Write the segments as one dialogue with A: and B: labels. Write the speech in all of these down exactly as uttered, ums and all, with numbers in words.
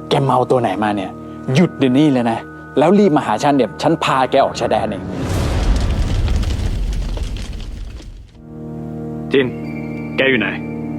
A: แกเมาตัวไหนมาเนี่ยหยุดเดี๋ยวนี้เลยนะแล้วรีบมาหาฉันเดี๋ยวฉันพาแกออกชายแดนเองจินแกอยู่ไหน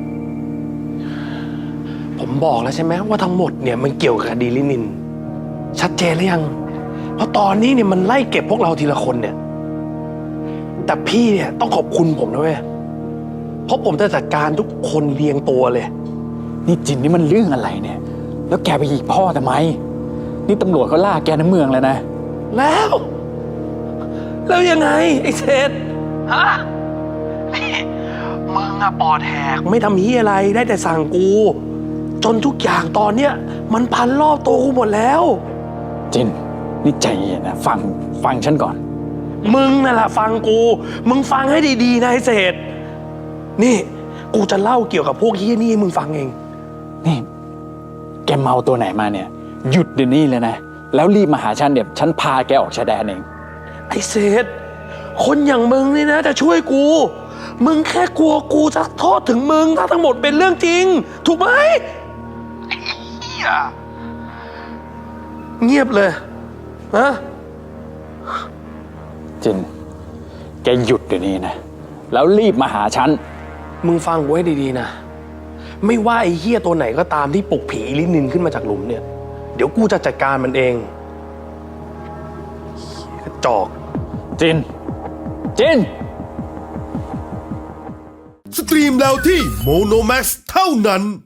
B: ผมบอกแล้วใช่ไหมว่าทั้งหมดเนี่ยมันเกี่ยวกับคดีลินินชัดเจนหรือยังเพราะตอนนี้เนี่ยมันไล่เก็บพวกเราทีละคนเนี่ยแต่พี่เนี่ยต้องขอบคุณผมนะเว้ยเพราะผมจะจัดการทุกคนเรียงตัวเลย
A: นี่จินนี่มันเรื่องอะไรเนี่ยแล้วแกไปยิงพ่อทำไมนี่ตำรวจเขาล่าแกในเมืองแล้วนะ
B: แล้วแล้วยังไงไอ้เศษฮะนี่มึงอะปอดแหกไม่ทำเฮียอะไรได้แต่สั่งกูจนทุกอย่างตอนเนี้ยมันพันรอบตัวกูหมดแล้ว
A: จินนี่ใจเย็นนะฟังฟังฉันก่อน
B: มึงนั่นแหละฟังกูมึงฟังให้ดีๆนะไอ้เศษนี่กูจะเล่าเกี่ยวกับพวกเฮียนี่ให้มึงฟังเอง
A: นี่แกเมาตัวไหนมาเนี่ยหยุดเดี๋ยวนี้เลยนะแล้วรีบมาหาฉันเดี๋ยวฉันพาแกออกชายแดนเอง
B: ไอ้เศษคนอย่างมึงนี่นะจะช่วยกูมึงแค่กลัวกูจะโทษถึงมึงถ้าทั้งหมดเป็นเรื่องจริงถูกไหมไอ้เหี้ยเงียบเลยฮะ
A: จินแกหยุดเดี๋ยวนี้นะแล้วรีบมาหาฉัน
B: มึงฟังกูให้ดีๆนะไม่ว่าไอ้เหี้ยตัวไหนก็ตามที่ปลุกผีลินินขึ้นมาจากหลุมเนี่ยเดี๋ยวกูจะจัดการมันเองกระจอก
A: จินจิน
C: สตรีมแล้วที่โมโนแม็กซ์เท่านั้น